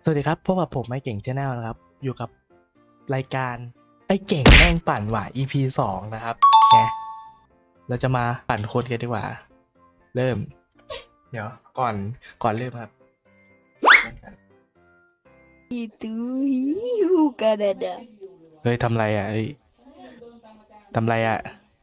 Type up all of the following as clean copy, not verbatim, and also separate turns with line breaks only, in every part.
สวัสดีครับพบกับผมไอ้เก่ง Channel นะครับอยู่กับรายการไอ้เก่งแม่งปั่นหว่า EP 2นะครับแกเราจะมาปั่นคนกันดีกว่าเริ่มเดี๋ยวก่อนเริ่มครับ
Itu bukan ada.
เฮ้ยทำไรอ่ะทำไรอ่ะ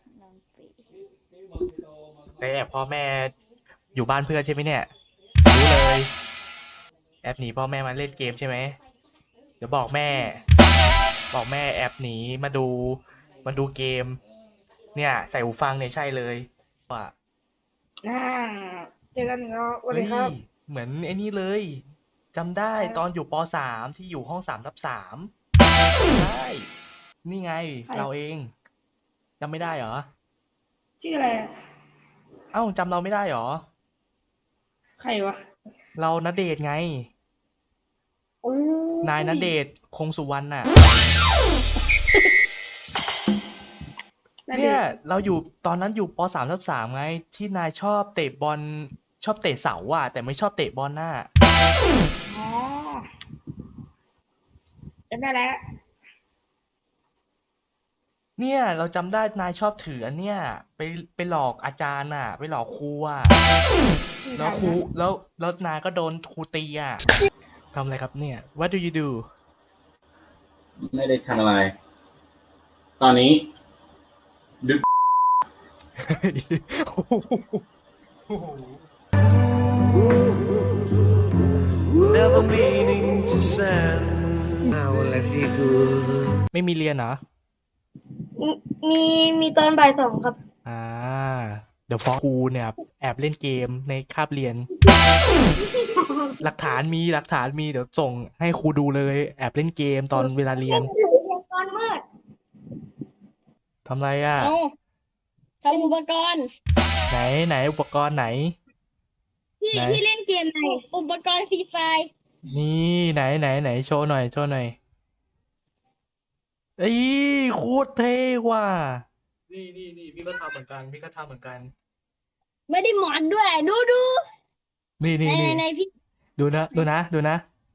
ไปแอบพ่อแม่อยู่บ้านเพื่อนใช่ไหมเนี่ยรู้เลยแอบหนีพ่อแม่มาเล่นเกมใช่ไหมเดี๋ยวบอกแม่แอบหนีมาดูเกมเนี่ยใส่หูฟังเนี่ยใช่เลยว่า
อ่าเจอกันอีกแล้วสวัสดีครับ
เฮ้ยเหมือนไอ้นี่เลยจำได้ตอนอยู่ป .3 ที่อยู่ห้อง3/3ใช่นี่ไง
ใคร
เราเองจำไม่ได้เหรอ
ชื่ออะไรอะ
เอ้าจำเราไม่ได้เหรอ
ใครวะ
เราณเดชน์ไง
โอ้ย
นายณเดชน์คงสุวรรณน่ะ
นั่น
เนี่
ดิ
ยเราอยู่ตอนนั้นอยู่ป .3/3ไงที่นายชอบเตะบอลชอบเตะเสาอ่ะแต่ไม่ชอบเตะบอลน่ะ
อ๋อจำได้แล้ว
เนี่ยเราจำได้นายชอบถืออันเนี้ยไปหลอกอาจารย์อ่ะไปหลอกครูอ่ะ แล้วครูแล้วนายก็โดนครูตีอ่ะทำอะไรครับเนี่ย What do you do
ไม่ได้ทำอะไร ตอนนี้ดึก
Never meaning to send.
ไม่มีเรียนเหรอ
มีตอนบ่ายสองครับ
อ่า เดี๋ยวฟ้องครูเนี่ยแอบเล่นเกมในคาบเรียน หลักฐานมีเดี๋ยวส่งให้ครูดูเลยแอบเล่นเกมตอนเวลาเรียน
ตอนมืด
ทำไรอ่ะ
เอาทำอุปกรณ์
ไหนอุปกรณ์ไหน
พี่
ไหน
พี่เล่นเกมไหนอุปกรณ์ฟรีไฟร์
นี่ไหนโชว์หน่อยเอ้ยโคตรเท่ว่ะนี่พี่ก็ทำเหมือนกัน
ไม่ได้หมอนด้วย ดู
นี่
ในพี่
ดูนะ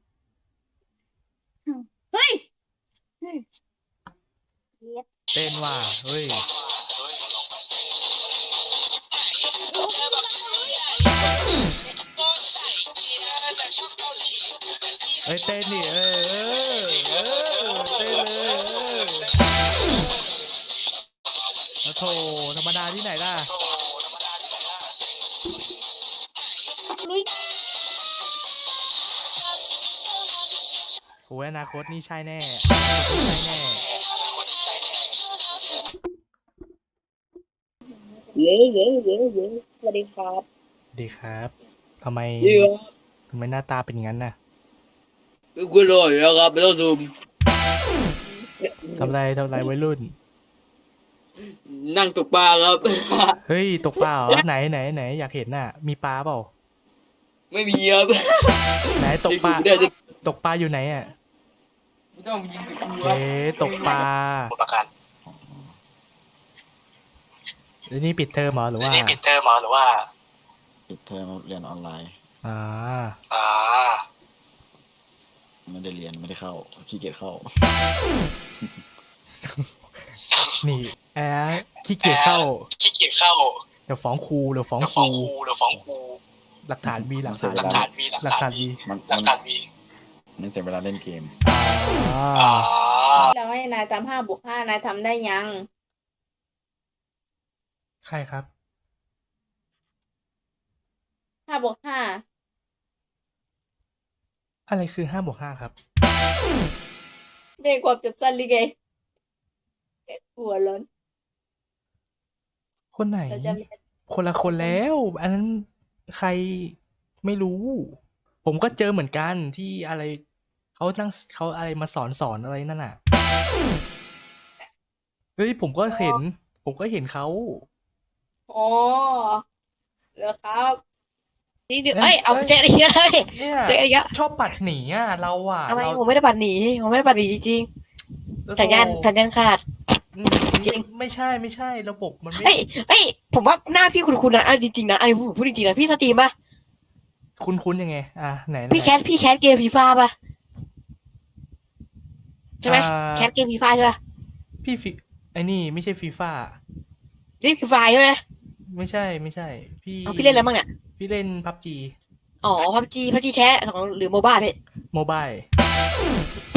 เฮ้ย
เต้นว่ะเฮ้ยเต้นดิเต้นเลยโอ้โถธรรมดาที่ไหนล่ะโอ้ยอนาคตนี่ใช่แน่
เย้สวัสดีครับ
ดีครับทำไมหน้าตาเป็นอย่างนั้นน่ะ
คุณรออยู่แล้วครับไม่ต้องซูม
ทำไรวัยรุ่น
นั่งตกปลาครับ
เฮ้ยตกปลาเหรอไหนอยากเห็นน่ะ มีปลาเปล่า
ไม่มีครับ
ไหนตกปลา
ได้จะ
ตกปลาอยู่ไหนอ่ะ
ไม่ต้องยิงไปดูค
เอ๊
รับ
ตกปลา
ประกัน
แล้วนี่ปิดเทอมเหรอหรือว่า
ปิดเทอมเรียนออนไลน์
อ่า
ไม่ได้เรียนไม่ได้เข้าขี้เกียจเข้า
นี่ขี้เกียจเข้า เดี๋ยวฟ้องครูหลักฐานมี
มัน เสียเวลาเล่นเกม
อ่า
แล้วให้นายทำ5+5นายทำได้ยัง
ใครครับ
5+5
อะไรคือ5+5ครับ
เรียกความจับสั้นลิเกหัวร้อน
คนไหน
เราจะมี
คนละคนแล้ว อันนั้นใครไม่รู้ ผมก็เจอเหมือนกันที่อะไรเขาอะไรมาสอนอะไรนั่นน่ะ เฮ้ยผมก็เห็นเขา
อ๋อเหรอครับ
เอ้ยเอาเจ๊อะไรเงี้ยเลย
เนี่ย
เจ๊อะไรเงี้ย
ชอบปัดหนีอ่ะเราอ่ะ
อะไร
เรา
ผมไม่ได้ปัดหนีจริงๆสัญญาณขาด จริง
ไม่ใช่ระบบมันไม่
เอ้ยผมว่าหน้าพี่คุณนะจริงๆนะอันนี้ผมพูดจริงๆนะพี่สตรีมป่ะ
คุ้นยังไงอ่ะไหน
พี่แคสเกมฟีฟ่าป่ะใช่ไหม
อ่า
แคสเกมฟรีไฟใช่ปะ
พี่ฟิไอ้นี่ไม่ใช่ฟีฟ่า
นี่ฟรีไฟใช่ไหม
ไม่ใช่ไม่ใช่ พี่
เอาพี่เล่นอะไรบ้างเนี่ย
พี่เล่นพับจี
อ๋อพับจีแท้ของหรือโมบ้าพี่
โมบาย